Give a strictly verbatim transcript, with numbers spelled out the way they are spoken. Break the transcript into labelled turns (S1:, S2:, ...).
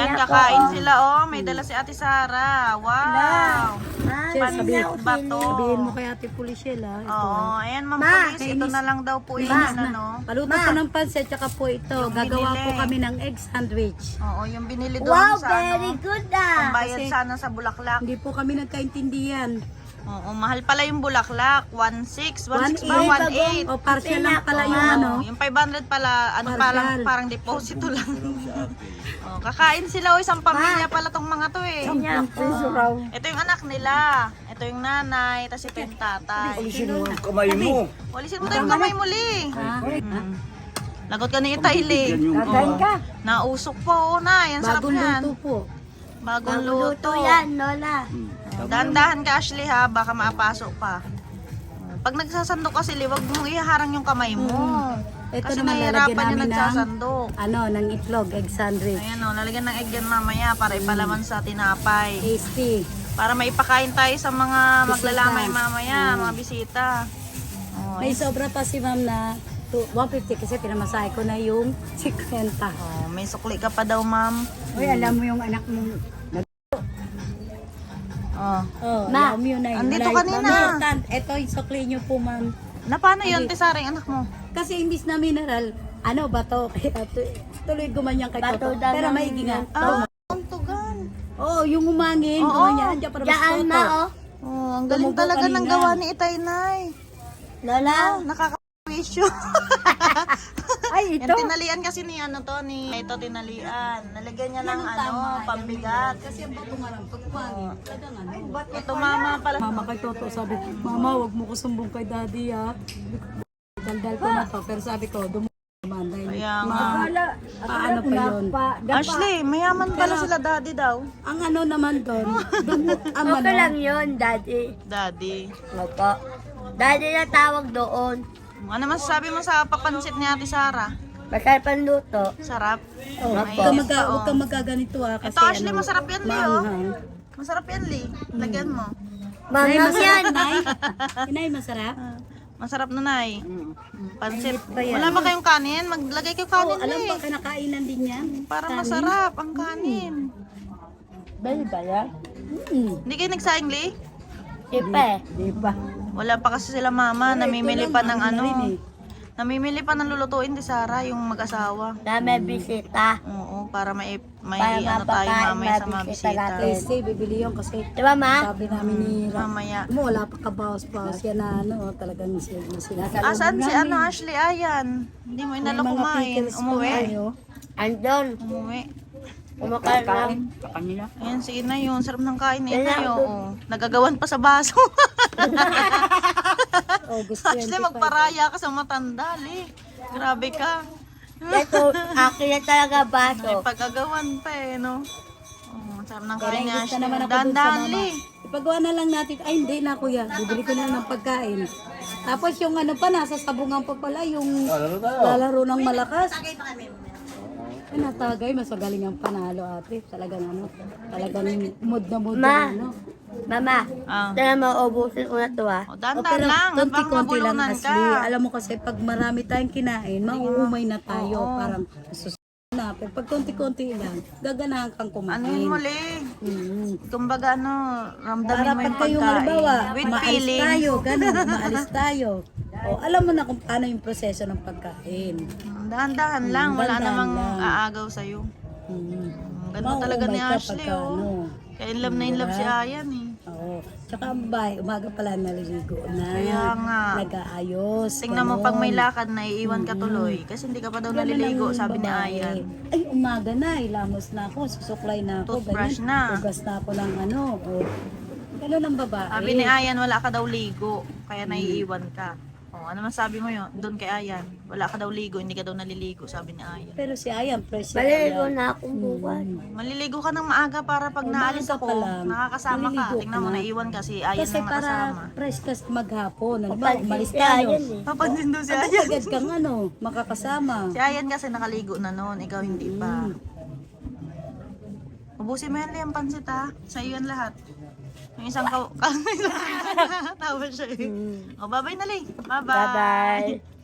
S1: Ayan, kakain sila oh. May dala si Ate Sara. Wow. Pansit ba to?
S2: Sabihin mo kay Ate Policiel ha. Ito.
S1: Oo, ayan Ma'am Police. Ito na lang daw po yung ano.
S2: Paluto ko ng pansit, tsaka po ito.
S1: Yung
S2: Gagawa
S1: binili.
S2: po kami ng egg sandwich.
S1: Oo, yung binili doon
S3: Wow,
S1: sa
S3: very
S1: ano.
S3: good ah.
S1: Pambayad
S2: Kasi-
S1: sana sa Bulaklak.
S2: Hindi po kami nagkaintindihan.
S1: Oo, mahal pala yung Bulaklak. one six, one six ba?
S2: one
S1: one
S2: eight.
S1: eight.
S2: O partial lang pala yung ano.
S1: Yung five hundred pala, ano
S2: Partial.
S1: parang, parang deposito lang. Oh, kakain sila o isang pamilya pala tong mga to eh.
S3: Piso raw.
S1: Ito yung anak nila. Ito yung nanay, tapos ito yung tatay.
S4: Kamay mo.
S1: Walisin mo tayo yung kamay muli. Mm. Lagot ka ni Itaili.
S3: Kakain ka.
S1: Nausok po, oh, na. Yan sarap
S2: Bagong
S1: yan.
S2: luto po.
S1: Bagong
S3: Luto
S1: luto.
S3: yan, Lola.
S1: Dahan-dahan ka, Ashley, ha? Baka maapasok pa. Pag nagsasandok kasi, wag mong iharang yung kamay mo.
S2: Ito
S1: Kasi
S2: naman lalagyan
S1: nahihirapan yung
S2: namin ng
S1: nagsasandok.
S2: ano, ng itlog, egg sandwich.
S1: Ayan o, lalagyan ng egg yan mamaya para ipalaman sa tinapay.
S2: Tasty.
S1: Para maipakain tayo sa mga
S2: Bisita.
S1: maglalamay mamaya, mga bisita. Oh,
S2: May sobra pa si ma'am na to- one fifty kasi pinamasahe ko na yung fifty.
S1: oh, may sukli ka pa daw, ma'am.
S2: Uy, alam mo yung anak mo.
S1: Oh.
S2: Oh,
S3: Ma,
S2: alam mo yun na yun.
S1: andito
S2: Wala-
S1: kanina.
S2: Ma'am, tan- Ito yung sukli nyo po, ma'am.
S1: Na paano yun, Tisaring, anak mo?
S2: Kasi imbis na mineral, ano, bato. Kaya tu- tuloy gumanyan kay
S3: Bato
S2: Toto.
S3: daw
S2: Pero
S3: ng-
S2: maigi nga.
S1: Ah, ang tugan.
S2: Oo, oh, yung umangin,
S1: Oo.
S2: gumanyan. Andiyan para mas
S3: Diyan
S2: Toto.
S3: na oh.
S1: Oh, ang galing
S2: Tumubo
S1: talaga ng
S2: kanina.
S1: gawa ni Itay, Nay.
S3: Lola.
S1: Nakaka-wisyo.
S3: Ay,
S1: Yung tinalian kasi ni ano to, ni ito tinalian. Nalagyan niya ng ano, pambigat.
S2: Kasi ang bato nga lang, pag umangin, talagang ano.
S1: Ito mama pala.
S2: Mama kay Toto sabi, Mama, wag mo ko sumbong kay Daddy ha. Daldal ko na to. Pero sabi ko, dumo naman dahil
S1: Kaya nga.
S2: ma- paano pa yun?
S1: Ashley, mayaman pala sila daddy daw.
S2: Ang ano naman doon, dumo, ang
S3: Okay
S2: ano,
S3: lang yun, Daddy.
S1: Daddy.
S3: Opo. Daddy na tawag doon.
S1: Ano masasabi mo sa papansit ni Ate Sara?
S3: Masarap ang luto.
S1: Sarap.
S2: oh, huwag
S1: Ay,
S2: kang
S1: yes,
S2: maga,
S1: oo.
S2: huwag kang magaganito ha. Kasi
S1: Ito Ashley,
S2: ano,
S1: masarap yan, Lee, oh.
S2: maanghang.
S1: Masarap yan, Lee. Lagyan mo.
S2: Nay,
S3: Mangang
S2: masarap,
S3: yan.
S2: Nay. Inay, masarap?
S1: Masarap na, Nay. Pansit.
S2: ba yan?
S1: Wala ba kayong kanin? Maglagay kayo
S2: Oo,
S1: kanin,
S2: alam
S1: Lee.
S2: ba, kinakainan din yan.
S1: Para masarap ang kanin.
S3: Bali ba yan?
S2: Hmm.
S1: Hindi kayo nagsaing, Lee?
S3: Sipe.
S2: Di ba?
S1: Wala pa kasi sila mama. Namimili
S2: Ito
S1: pa
S2: lang,
S1: ng ano.
S2: rin eh.
S1: Namimili pa ng lulutuin ni Sara, yung mag-asawa.
S3: Na may bisita.
S1: Oo, para may, may
S3: Para
S1: ano tayo
S3: mapakain,
S1: mamaya sa mga
S3: mabisita
S1: bisita.
S3: natin.
S2: Tasty, bibili yun kasi
S3: Di ba, Ma?
S2: sabi namin ni Ram,
S1: Mamaya.
S2: mo wala pa kabawas-bawas yan na ano, talagang sila sila.
S1: Asan si ano, Ashley? Ayan. Hindi mo inalo kumain. Umuwi.
S3: Andon.
S1: Umuwi.
S3: Kumakain lang.
S1: Ayan, sige na yun. Sarap ng kain na yun. Oo. Nagagawan pa sa baso.
S2: August
S1: Ashley, magparaya ka sa matanda, Li. Grabe ka.
S3: Ito, akin na talaga baso.
S1: May pagagawan pa eh, no? Oh, sarap ng kain ni
S2: Gusto
S1: Ashley.
S2: naman ako dun sa
S1: Dahan-dahan,
S2: mama.
S1: Li.
S2: Ipagawa na lang natin. Ay, hindi na kuya. Bibili ko na lang ng pagkain. Tapos yung ano pa, nasa sabungan pa pala, yung lalaro ng malakas. Ay, natagay. Mas magaling ang panalo, ate. Talagang ano, talagang mood na mood
S3: Ma.
S2: na ano.
S3: Mama,
S1: Ah.
S3: tara maubusin ko na to ah.
S1: Oh,
S2: O,
S1: dahan-dahan
S2: pero
S1: lang. At baka
S2: konti-konti lang,
S1: mabulunan
S2: Ashley.
S1: ka.
S2: Alam mo kasi, pag marami tayong kinain, mauumay na tayo.
S1: Oo.
S2: Parang susunod na. Pero pag konti-konti lang, gaganahan kang kumain.
S1: Ano yun mo, Li?
S2: Mm.
S1: Kumbaga ano, ramdamin
S2: Para
S1: mo
S2: pag
S1: yung
S2: kayong
S1: pagkain.
S2: halimbawa,
S1: With
S2: maalis
S1: feelings.
S2: tayo, ganun, maalis tayo. O, alam mo na kung paano yung proseso ng pagkain.
S1: Dahan-dahan lang. Wala
S2: dahan-dahan
S1: namang
S2: lang.
S1: aagaw sa'yo.
S2: Hmm.
S1: Ganun talaga ni
S2: Mauumay ka
S1: Ashley,
S2: pagka,
S1: oh.
S2: ano.
S1: Kaya in love na in love si Ayan, eh.
S2: Oo. Tsaka ang bahay, umaga pala naliligo na.
S1: Kaya nga.
S2: Nag-aayos.
S1: Tingnan mo
S2: ganun.
S1: pag may lakad na iiwan ka tuloy. Kasi hindi ka pa daw
S2: Ganun
S1: naliligo,
S2: ang
S1: sabi ni
S2: babae.
S1: Ayan.
S2: Ay, umaga na, ilamos na ako, susuklay na ako.
S1: Toothbrush
S2: ganyan.
S1: na.
S2: Hugas na ako ng ano. O, ganun ang babae.
S1: Sabi ni Ayan, wala ka daw ligo. Kaya naiiwan ka. Oh, ano man sabi mo yun? Doon kay Ayan. Wala ka daw ligo, hindi ka daw naliligo, sabi ni Ayan.
S2: Pero si Ayan, fresh siya.
S3: Maliligo na akong buwan.
S1: Maliligo ka ng maaga para pag naalis
S2: Umaga
S1: ako,
S2: pa lang,
S1: nakakasama ka.
S2: maliligo
S1: Tingnan mo,
S2: ka na.
S1: naiiwan ka si Ayan
S2: Kasi
S1: na
S2: para
S1: nakasama.
S2: fresh ka maghapon. Ano ba,
S3: Papansin
S2: umalis
S3: si
S2: tayo.
S3: Ayan eh.
S1: Papansin daw si Ayan.
S2: Agad kang ano, makakasama.
S1: Si Ayan kasi nakaligo na noon, ikaw hindi pa. Ubusin mo yan, Liam, pansit ha. Sa iyo yan lahat. Yung isang ka... Tawa siya eh. O, bye-bye na, Lee. Bye-bye.
S3: Bye-bye.